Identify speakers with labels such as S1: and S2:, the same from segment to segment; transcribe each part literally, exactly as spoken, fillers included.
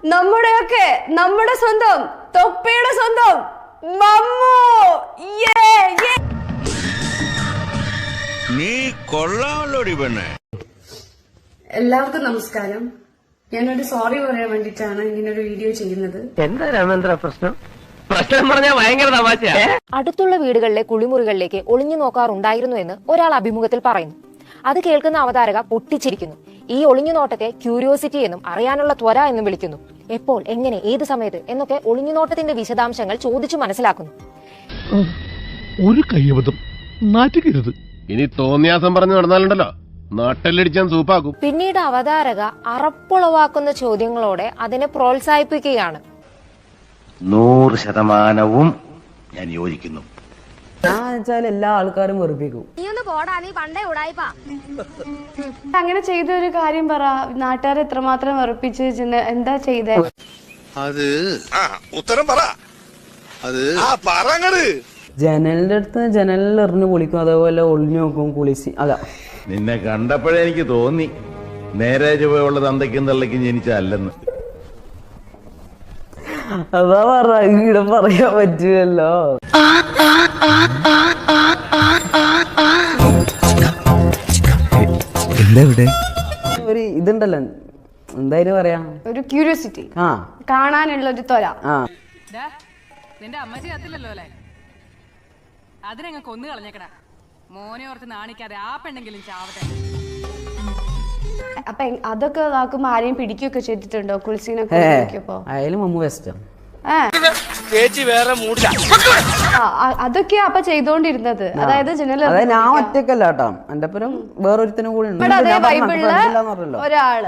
S1: നമ്മുടെയൊക്കെ നമ്മുടെ സ്വന്തം തൊപ്പിയുടെ സ്വന്തം മമ്മു.
S2: നീ കൊള്ളാമല്ലോടി പെണ്ണെ.
S1: എല്ലാവർക്കും നമസ്കാരം. ഞാനൊരു സോറി പറയാൻ വേണ്ടിട്ടാണ് ഇങ്ങനൊരു വീഡിയോ ചെയ്യുന്നത്.
S3: എന്താ രാമേന്ദ്ര പ്രശ്നം? പ്രശ്നം പറഞ്ഞാൽ ഭയങ്കര തമാശ.
S4: അടുത്തുള്ള വീടുകളിലെ കുളിമുറികളിലേക്ക് ഒളിഞ്ഞു നോക്കാറുണ്ടായിരുന്നു എന്ന് ഒരാൾ അഭിമുഖത്തിൽ പറയുന്നു. അത് കേൾക്കുന്ന അവതാരക പൊട്ടിച്ചിരിക്കുന്നു. ഈ ഒളിഞ്ഞു നോട്ടത്തെ ക്യൂരിയോസിറ്റി എന്നും അറിയാനുള്ള ത്വര എന്നും വിളിക്കുന്നു. എപ്പോൾ, എങ്ങനെ, ഏത് സമയത്ത് എന്നൊക്കെ ഒളിഞ്ഞുനോട്ടത്തിന്റെ വിശദാംശങ്ങൾ ചോദിച്ചു മനസ്സിലാക്കുന്നു.
S5: ഒരു കയ്യബദ്ധം നാറ്റുകരുത്. ഇനി തോന്നിയാസം പറഞ്ഞു നടന്നാലുണ്ടല്ലോ നാട്ടിലടിച്ചാൻ സൂപ്പാക്കും.
S4: പിന്നീട് അവതാരക അറപ്പുളവാക്കുന്ന ചോദ്യങ്ങളോടെ അതിനെ പ്രോത്സാഹിപ്പിക്കുകയാണ്.
S6: നൂറ് ശതമാനവും ഞാൻ യോജിക്കുന്നു.
S7: എല്ലാ ആൾക്കാരും വെറുപ്പിക്കും.
S1: അങ്ങനെ ചെയ്ത ഒരു കാര്യം പറ. നാട്ടുകാരെ എത്രമാത്രം വെറുപ്പിച്ച് എന്താ ചെയ്തേ?
S8: അത് ഉത്തരം പറ. അത്
S7: ജനലിന്റെ അടുത്ത് ജനലിൽ എറിഞ്ഞു കുളിക്കും, അതേപോലെ ഒളിഞ്ഞു നോക്കും കുളിച്ച്. അതാ
S6: നിന്നെ കണ്ടപ്പോഴേ എനിക്ക് തോന്നി നേരെ ചുവയുള്ള തന്തയ്ക്കും തള്ളയ്ക്കും ജനിച്ചല്ലെന്ന്.
S7: അതാ പറ, ഇവിടെ പറയാൻ പറ്റുമല്ലോ. ഒരു ഇതുണ്ടല്ലോ, എന്തായാലും പറയാ,
S1: ഒരു ക്യൂരിയോസിറ്റി,
S7: ആ
S1: കാണാനുള്ള ഒരു ത്വര.
S9: നിന്റെ അമ്മച്ചി കത്തില്ലല്ലോ അല്ലേ? അതിനങ്ങ് കൊന്നു കളഞ്ഞേക്കടാ. മോനെ ഓർത്ത് നാണിക്കാതെ ആ പെണ്ണെങ്കിലും ചാവട്ടെ.
S1: അപ്പൊ അതൊക്കെ ഇതാക്കുമ്പോ ആരെയും പിടിക്കുകയൊക്കെ ചെയ്തിട്ടുണ്ടോ? കുളിസീനൊക്കെ
S7: ആയാലും മമ്മു ബെസ്റ്റാ.
S1: അതൊക്കെയാ അപ്പൊ ചെയ്തോണ്ടിരുന്നത്. അതായത് ജനല
S7: ഞാൻ ഒറ്റക്കല്ല കേട്ടോ, എന്റെ ഒപ്പം വേറൊരുത്തനും കൂടി ഉണ്ട്.
S1: ഒരാള്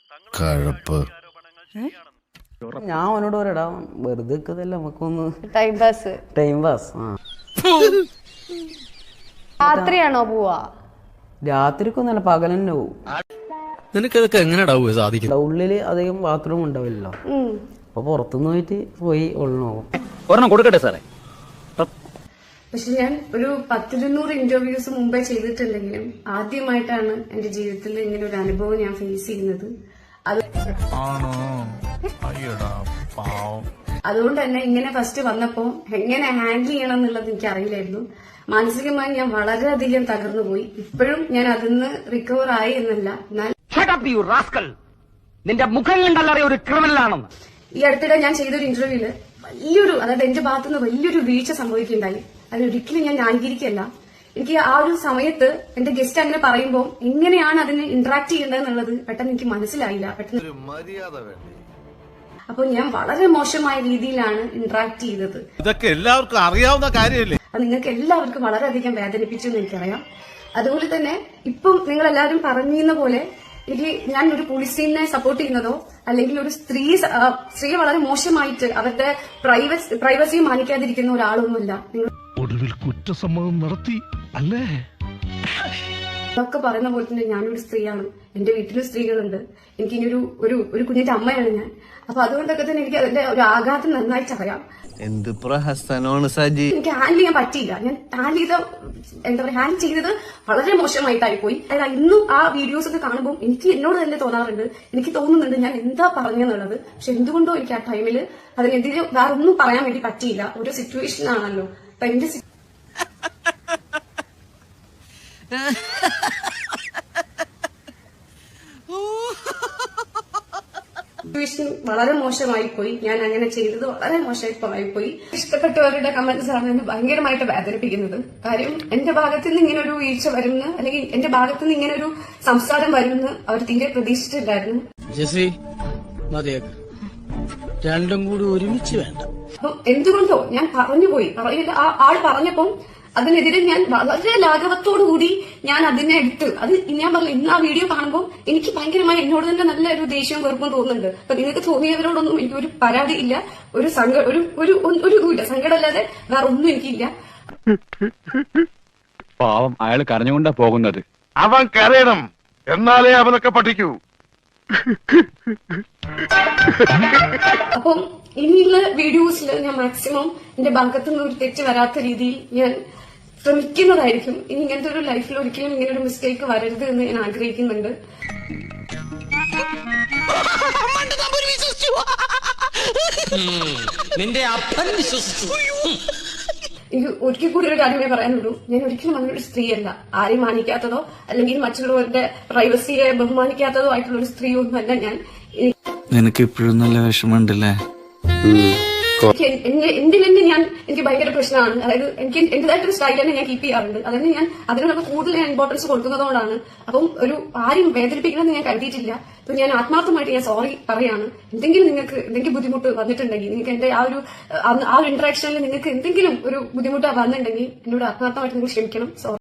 S7: ഞാൻ അവനോട് പറയടാ, വെറുതെ നമുക്കൊന്ന്
S1: ടൈം പാസ്
S7: ടൈം പാസ്
S1: രാത്രിയാണോ പോവാ?
S7: രാത്രിക്കൊന്നല്ല, പകൽ തന്നെ പോവും.
S5: നിനക്കതൊക്കെ എങ്ങനെയാ സാധിക്കും?
S7: ഉള്ളില് അധികം ബാത്റൂം ഉണ്ടാവില്ലല്ലോ, അപ്പൊ പുറത്തുനിന്ന് പോയിട്ട് പോയി ഒളിനോക്കും.
S3: ഒരെണ്ണം കൊടുക്കട്ടെ സാറേ?
S1: പക്ഷെ ഞാൻ ഒരു പത്തിരുന്നൂറ് ഇന്റർവ്യൂസ് മുമ്പേ ചെയ്തിട്ടുണ്ടെങ്കിലും ആദ്യമായിട്ടാണ് എന്റെ ജീവിതത്തിൽ ഇങ്ങനെ ഒരു അനുഭവം ഞാൻ ഫേസ് ചെയ്യുന്നത്. അത് അതുകൊണ്ട് തന്നെ ഇങ്ങനെ ഫസ്റ്റ് വന്നപ്പോ എങ്ങനെ ഹാൻഡിൽ ചെയ്യണം എന്നുള്ളത് എനിക്ക് അറിയില്ലായിരുന്നു. മാനസികമായി ഞാൻ വളരെയധികം തകർന്നു പോയി. ഇപ്പോഴും ഞാൻ അതിന്ന് റിക്കവർ ആയി എന്നല്ല, എന്നാൽ
S3: നിന്റെ മുഖം കണ്ടല്ലറിയ ഒരു ക്രിമിനലാണെന്ന്.
S1: ഈ അടുത്തിടെ ഞാൻ ചെയ്തൊരു ഇന്റർവ്യൂല് വലിയൊരു, അതായത് എന്റെ ഭാഗത്തുനിന്ന് വലിയൊരു വീഴ്ച സംഭവിക്കുകയുണ്ടായി. അതൊരിക്കലും ഞാൻ ന്യായീകരിക്കല്ല. എനിക്ക് ആ ഒരു സമയത്ത് എന്റെ ഗസ്റ്റ് അങ്ങനെ പറയുമ്പോൾ എങ്ങനെയാണ് അതിന് ഇന്ററാക്ട് ചെയ്യേണ്ടത് എന്നുള്ളത് പെട്ടെന്ന് എനിക്ക് മനസ്സിലായില്ല. പെട്ടെന്ന് അപ്പൊ ഞാൻ വളരെ മോശമായ രീതിയിലാണ് ഇന്ററാക്ട് ചെയ്തത്.
S5: ഇതൊക്കെ എല്ലാവർക്കും അറിയാവുന്ന കാര്യമല്ലേ?
S1: അത് നിങ്ങൾക്ക് എല്ലാവർക്കും വളരെയധികം വേദനിപ്പിച്ചു എന്ന് എനിക്കറിയാം. അതുപോലെ തന്നെ ഇപ്പം നിങ്ങൾ എല്ലാവരും പറഞ്ഞിരുന്ന പോലെ എനിക്ക് ഞാൻ ഒരു പോലീസിനെ സപ്പോർട്ട് ചെയ്യുന്നതോ അല്ലെങ്കിൽ ഒരു സ്ത്രീ സ്ത്രീയെ വളരെ മോശമായിട്ട് അവരുടെ പ്രൈവസി പ്രൈവസി മാനിക്കാതിരിക്കുന്ന ഒരാളൊന്നുമില്ല. നിങ്ങൾ
S5: ഒടുവിൽ കുറ്റസമ്മതം നടത്തി അല്ലേ?
S1: അതൊക്കെ പറയുന്ന പോലെ തന്നെ ഞാനൊരു സ്ത്രീയാണ്, എന്റെ വീട്ടിലും സ്ത്രീകളുണ്ട്, എനിക്ക് ഇനി ഒരു ഒരു ഒരു കുഞ്ഞിന്റെ അമ്മയാണ് ഞാൻ. അപ്പൊ അതുകൊണ്ടൊക്കെ തന്നെ എനിക്ക് അതിന്റെ ഒരു ആഘാതം നന്നായിട്ട് അറിയാം.
S8: എന്ത് പ്രഹസനമാണ് സജി.
S1: എനിക്ക് ഹാൻഡിൽ ചെയ്യാൻ പറ്റിയില്ല. ഞാൻ ഹാൻഡിൽ ചെയ്ത എന്താ പറയുക ഹാൻഡിൽ ചെയ്തത് വളരെ മോശമായിട്ടായി പോയി. അതായത് ഇന്നും ആ വീഡിയോസ് ഒക്കെ കാണുമ്പോൾ എനിക്ക് എന്നോട് തന്നെ തോന്നാറുണ്ട്, എനിക്ക് തോന്നുന്നുണ്ട് ഞാൻ എന്താ പറഞ്ഞെന്നുള്ളത്. പക്ഷെ എന്തുകൊണ്ടോ എനിക്ക് ആ ടൈമിൽ അതിനെതിരെ വേറെ ഒന്നും പറയാൻ വേണ്ടി പറ്റിയില്ല. ഒരു സിറ്റുവേഷൻ ആണല്ലോ. അപ്പൊ എന്റെ സിറ്റുവേഷൻ വളരെ മോശമായി പോയി. ഞാൻ അങ്ങനെ ചെയ്തത് വളരെ മോശമായി പോയി. ഇഷ്ടപ്പെട്ടവരുടെ കമന്റ്സ് ആണ് എന്നെ ഭയങ്കരമായിട്ട് വേദനിപ്പിക്കുന്നത്. കാര്യം എന്റെ ഭാഗത്തു നിന്ന് ഇങ്ങനെ ഒരു വീഴ്ച വരുമെന്ന്, അല്ലെങ്കിൽ എന്റെ ഭാഗത്തു നിന്ന് ഇങ്ങനെ ഒരു സംസാരം വരുമെന്ന് അവർ തീരെ പ്രതീക്ഷിച്ചിട്ടില്ലായിരുന്നു.
S3: രണ്ടും കൂടി ഒരുമിച്ച് വേണ്ട.
S1: അപ്പൊ എന്തുകൊണ്ടോ ഞാൻ പറഞ്ഞുപോയി. പറയില്ല, ആ ആൾ പറഞ്ഞപ്പം അതിനെതിരെ ഞാൻ വളരെ ലാഘവത്തോടുകൂടി ഞാൻ അതിനെ എടുത്ത് അത് ഞാൻ പറഞ്ഞു. ഇന്ന് ആ വീഡിയോ കാണുമ്പോൾ എനിക്ക് ഭയങ്കരമായി എന്നോട് തന്നെ നല്ല ഒരു ദേഷ്യവും വെറുപ്പും തോന്നുന്നുണ്ട്. അപ്പൊ നിങ്ങൾക്ക് തോന്നിയവരോടൊന്നും എനിക്കൊരു പരാതി ഇല്ല, ഒരു സങ്ക ഒരു ഒരു ഒരു ഇതുമില്ല, സങ്കടമല്ലാതെ വേറെ ഒന്നും എനിക്കില്ല.
S10: പാവം, അയാൾ കരഞ്ഞുകൊണ്ടാ പോകുന്നത്.
S5: അവൻ കരയണം, എന്നാലേ അവനൊക്കെ പഠിക്കൂ.
S1: അപ്പം ഇനിയുള്ള വീഡിയോസിൽ ഞാൻ മാക്സിമം എന്റെ ഭാഗത്തുനിന്ന് ഒരു തെറ്റ് വരാത്ത രീതിയിൽ ഞാൻ ശ്രമിക്കുന്നതായിരിക്കും. ഇനി ഇങ്ങനത്തെ ഒരു ലൈഫിൽ ഒരിക്കലും ഇങ്ങനെ ഒരു മിസ്റ്റേക്ക് വരരുത് എന്ന് ഞാൻ ആഗ്രഹിക്കുന്നുണ്ട്.
S3: നിന്റെ അപ്പൻ വിശ്വസിച്ചു.
S1: എനിക്ക് ഒരിക്കൽ കൂടി ഒരു കാര്യമേ പറയാനുള്ളൂ. ഞാൻ ഒരിക്കലും അങ്ങനെ ഒരു സ്ത്രീയല്ല. ആരെയും മാനിക്കാത്തതോ അല്ലെങ്കിൽ മറ്റുള്ളവരുടെ പ്രൈവസിയെ ബഹുമാനിക്കാത്തതോ ആയിട്ടുള്ള ഒരു സ്ത്രീ ഒന്നുമല്ല ഞാൻ.
S8: നിനക്ക് ഇപ്പോഴും നല്ല വിഷമമുണ്ടല്ലേ?
S1: എന്തിൽ തന്നെ ഞാൻ എനിക്ക് ഭയങ്കര പ്രശ്നമാണ്. അതായത് എനിക്ക് എന്റേതായിട്ടൊരു സ്റ്റൈൽ തന്നെ ഞാൻ കീപ്പ് ചെയ്യാറുണ്ട്. അതിന് ഞാൻ അതിനോടൊക്കെ കൂടുതൽ ഞാൻ ഇമ്പോർട്ടൻസ് കൊടുക്കുന്നതുകൊണ്ടാണ്. അപ്പം ഒരു ആരും വേദനിപ്പിക്കണമെന്ന് ഞാൻ കരുതിയിട്ടില്ല. അപ്പൊ ഞാൻ ആത്മാർത്ഥമായിട്ട് ഞാൻ സോറി പറയാണ്. എന്തെങ്കിലും നിങ്ങൾക്ക് എന്തെങ്കിലും ബുദ്ധിമുട്ട് വന്നിട്ടുണ്ടെങ്കിൽ, നിങ്ങൾക്ക് എന്റെ ആ ഒരു ആ ഒരു ഇന്ററാക്ഷനിൽ നിങ്ങൾക്ക് എന്തെങ്കിലും ഒരു ബുദ്ധിമുട്ട് വന്നിട്ടുണ്ടെങ്കിൽ എന്നോട് ആത്മാർത്ഥമായിട്ട് നിങ്ങൾ ക്ഷമിക്കണം. സോറി.